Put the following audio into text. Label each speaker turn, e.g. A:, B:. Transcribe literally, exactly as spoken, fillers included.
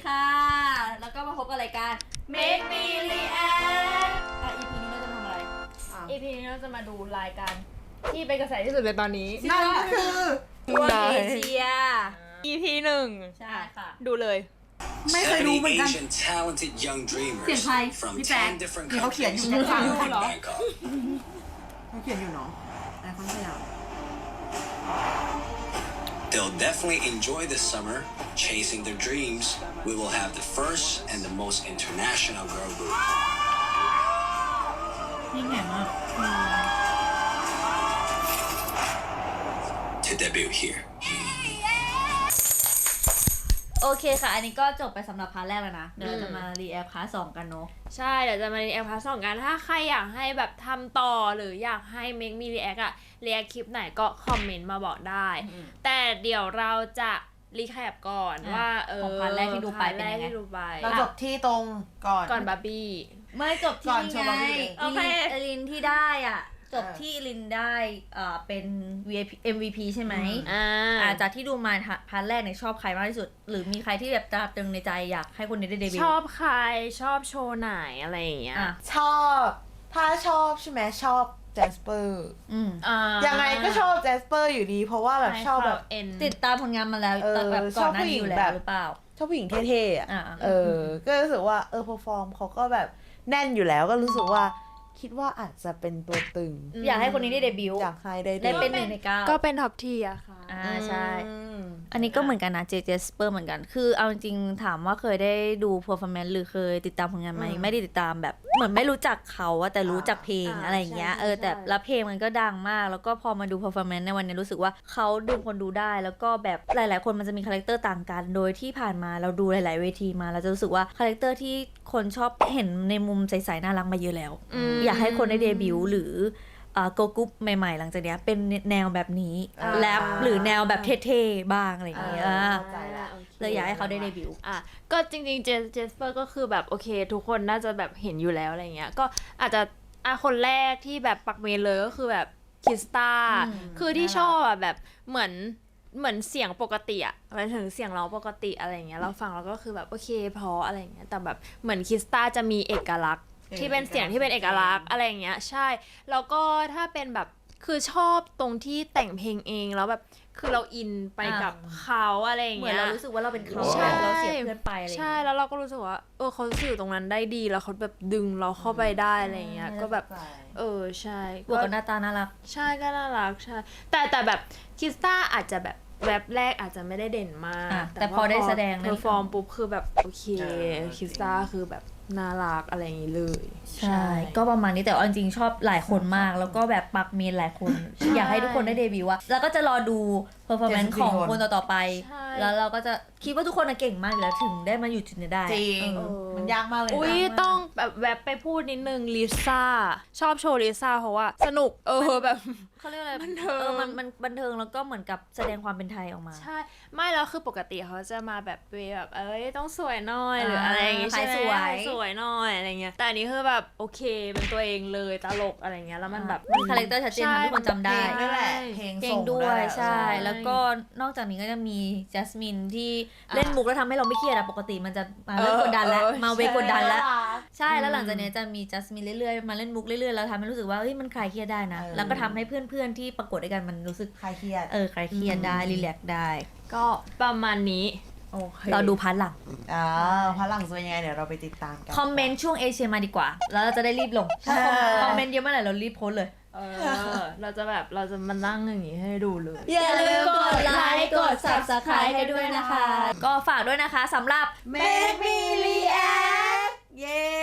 A: ค่ะแล้วก็มาพบกับรายการ Make Me React อ่ะ อี พี นี้เราจะทำอะไร
B: อี พี นี้เราจะมาดูรายการที่เป็นกระแสที่สุดในตอนนี้
C: นั่นคือ
A: ทัวร์เอเชีย
B: อี พี หนึ่ง
A: ใช่ค่ะ
B: ดูเลย
C: ไม่เคยดูเหมือนกัน
D: talented young
A: เสียง
D: dreamers
A: ใคร
D: from
A: พี่แป๊ก
D: ten different
C: นี่เขาเขียนอยู่
D: countries
C: ข้าง
D: in
C: ๆเหรอ
D: Bangkok.
C: เขาเขียนอยู่เนาะไอคอนสยาม
D: They'll definitely enjoy this summer chasing their dreams. We will have the first and the most international girl group
A: ยิ่งใหญ่มาก
D: to debut here.
A: โอเคค่ะ อันนี้ก็จบไปสำหรับพาร์ทแรกแล้วนะ เดี๋ยวเราจะมารีแอคพาร์ทสองกันเนาะ
B: ใช่เดี๋ยวจะมารีแอคพาร์ทสองกันถ้าใครอยากให้แบบทำต่อหรืออยากให้ Make Me React อะรีแอคคลิปไหนก็คอมเมนต์มาบอกได้ แต่เดี๋ยวเราจะรีแคปก่อน
A: อ่ะ
B: ว่าเออ
A: ของพาร์ทแรกที่ดูไปเป็นยังไง
B: พาร์ทแรกที่ดูไป
C: เราจบที่ตรงก่อน
B: ก่อนบาร์บี้
A: ไม่จบ
C: ก่
A: ที่
C: อนโชว์
A: ไง
C: บาร์บี้
A: อีลินอีลินที่ได้อ่ะ จบ
C: เออ
A: ที่อีลินได้อ่าเป็น วี ไอ พี เอ็ม วี พี ใช่ไหม
B: อ่า
A: อ่าจากที่ดูมาพาร์ทแรกเนี่ยชอบใครมากที่สุด หรือมีใครที่แบบตราตรึงในใจอยากให้คนนี้ได้เดบิวต์
B: ชอบใครชอบโชว์ไหนอะไรอย่างเงี้ย
A: อ่ะ
C: ชอบ ถ้าชอบใช่ไหมชอบแจสเปอร์
A: อืม
B: อ่า
C: ยังไงก็ชอบแจสเปอร์อยู่ดี เพราะว่าแบบชอบแบบ
B: เอ็น
A: ติดตามผลงานมาแล้ว
C: เออ
A: แต่แบบก่อนหน้านี้อยู่
C: ชอบผู้หญิง
A: แล้
C: แบ
A: ว
C: บ
A: หรือเปล่า
C: ชอบผู้หญิงเท่ๆอ่ะ
A: อ่า
C: เออ ก็รู้สึกว่าเออเพอร์ฟอร์มเขาก็แบบแน่นอยู่แล้วก็รู้สึกว่าคิดว่าอาจจะเป็นตัวตึง
A: อยากให้คนนี้ได้เดบิวต์
C: อยากให้ได้
A: ได้เป็นหนึ่งในเก้า
B: ก็เป็นท็อปทีอะค่ะ
A: อ่าใช่
C: อืม
A: อันนี้ก็เหมือนกันนะเจเจสเปอร์เหมือนกัน คือเอาจริงๆถามว่าเคยได้ดู performance หรือเคยติดตามผลงานไหม
C: อืม
A: ไม่ได้ติดตามแบบเหมือนไม่รู้จักเขาอะแต่รู้จักเพลง
B: อ่า
A: อะไรอย่างเงี้ย
B: ใช่
A: เออแต่
B: ใช่
A: ละเพลงมันก็ดังมาก แล้วก็พอมาดู performance ในวันนี้รู้สึกว่าเขาดึงคนดูได้ แล้วก็แบบหลายๆคนมันจะมีคาแรคเตอร์ต่างกัน โดยที่ผ่านมาเราดูหลายๆเวทีมาเราจะรู้สึกว่าคาแรคเตอร์ที่คนชอบเห็นในมุมใสๆน่ารักมาเยอะแล้ว
B: ม
A: อยากให้คนได้เดบิวต์หรือโกกุ๊ปใหม่ๆ หลังจากเนี้ยเป็นแนวแบบนี้
C: อ่า
A: แรปหรือแนวแบบเท่ๆบ้างอะไรอย่างเงี้ย
C: อ่า
A: อ่า
C: เข้าใจละ
A: เลยอยากให้เขาได้เดบิวต์
B: อ่ะก็จริงๆเจเจสเปอร์ก็คือแบบโอเค ทุกคนน่าจะแบบเห็นอยู่แล้วอะไรเงี้ยก็อาจจะอ่ะคนแรกที่แบบปักเมนเลยก็คือแบบคิสตา
A: อืม
B: คือที่ชอบอ่ะแบบเหมือนเหมือนเสียงปกติอ่ะหมายถึงเสียงร้องปกติอะไรเงี้ยเราฟังแล้วก็คือแบบโอเคเพราะอะไรเงี้ยแต่แบบเหมือนคิสตาจะมีเอกลักษณ์
C: เออ
B: ที่เป็นเสียงที่เป็นเอกลักษณ์อะไรอย่างเงี้ยใช่แล้วก็ถ้าเป็นแบบคือชอบตรงที่แต่งเพลงเองแล้วแบบคือเราอินไปกับเขาอะไรอย่าง
A: เหมือน
B: เงี้ย
A: เรารู้สึกว่าเราเป็นเขา
B: ใช่
A: เราเสียเพื่อนไปอะไรอย่าง
B: ใช่
A: เงี้ย
B: แล้วเราก็รู้สึกว่าเออเขาสื่อตรงนั้นได้ดีแล้วเขาแบบดึงเราเข้าไปได้อะไรอย่างเงี้ยก็แบบเออใช่
A: บวกกับหน้าตาน่ารัก
B: ใช่ก็น่ารักใช่แต่แต่แบบคิสตาอาจจะแบบแวบแรกอาจจะไม่ได้เด่นมาก
A: อ่ะแต่พอได้แสดง
B: เพอร์ฟอร์มปุ๊บคือแบบโอเค
C: เออ
B: คิสตาคือแบบน่ารักอะไรอย่างงี้เลย
A: ใช่ ก็ประมาณนี้แต่เอาจริงๆชอบหลายคนมาก แล้วก็แบบปักเมนหลายคน อยากให้ทุกคนได้เดบิวต์อะแล้วก็จะรอดู performance ของคนต่อๆไป
B: ใช่
A: แล้วเราก็จะคิดว่าทุกคนน่ะเก่งมากอยู่แล้วถึงได้มาอยู่จุดนี้ได้
C: จริง
A: เออ
C: มันยากมากเลยนะ
B: อุ้ยต้องแบบแวบไปพูดนิดนึงลิซ่าชอบโชว์ลิซ่าเพราะว่าสนุกเออแบบ
A: เขาเรียกอะไร
B: บันเทิง
A: เออมันมันบันเทิงแล้วก็เหมือนกับแสดงความเป็นไทยออกมา
B: ใช่ไม่แล้วคือปกติเขาจะมาแบบเวแบบเอ้ยต้องสวยหน่อยหรือ
A: อ่า
B: อะไรอย่างงี้ใช่ไหม
A: สวย
B: สวยหน่อยอะไรเงี้ยแต่อันนี้คือแบบโอเคเป็นตัวเองเลยตลกอะไรเงี้ยแล้วมันแบบ
A: มีคาแรคเตอร์ชัดเจนทำให้คนจำ
C: เพล
A: ได้
C: งด้วยแหละเพลง
A: เพล
C: ส่
A: ง
C: ง
A: ด้วย
C: แหละ
A: ใช่ แล้วก็นอกจากนี้ก็จะมีจัสมินที่เล่นมุกแล้วทำให้เราไม่เครียดอะปกติมันจะมาเริ่มกดดันแล้ว
B: เออ
A: มาเวกดดันแล้ว
C: ใช่
A: ใช่แล้วหลังจากนี้จะมีจัสมินเรื่อยๆมาเล่นมุกเรื่อยๆแล้วทำให้รู้สึกว่าเฮ้ยมันคลายเครียดได้นะ
C: เออ
A: แล้วก็ทำให้เพื่อนๆที่ประกวดด้วยกันมันรู้สึก
C: คลายเครียด
A: เออคลายเครียดได้รีแลกซ์ได้
B: ก็ประมาณนี้
C: โอเค
A: เราดูพาร์ทหลัง
C: อ่าพลังจะเป็นยังไงเดี๋ยวเราไปติดตามกัน
A: คอมเมนต์ช่วงเอเชียมาดีกว่า แล้วเราจะได้รีบลงถ้า
C: ใช่
A: คอมเมนต์เยอะเมื่อไหร่เรารีบโพสต์เลย
B: เออเราจะแบบเราจะมานั่งอย่างงี้ให้ดูเลย
A: อย่าลืมกดไลค์กด Subscribe ให้ด้วยนะคะ ก็ฝากด้วยนะคะสำหรับ
C: Make me react เย้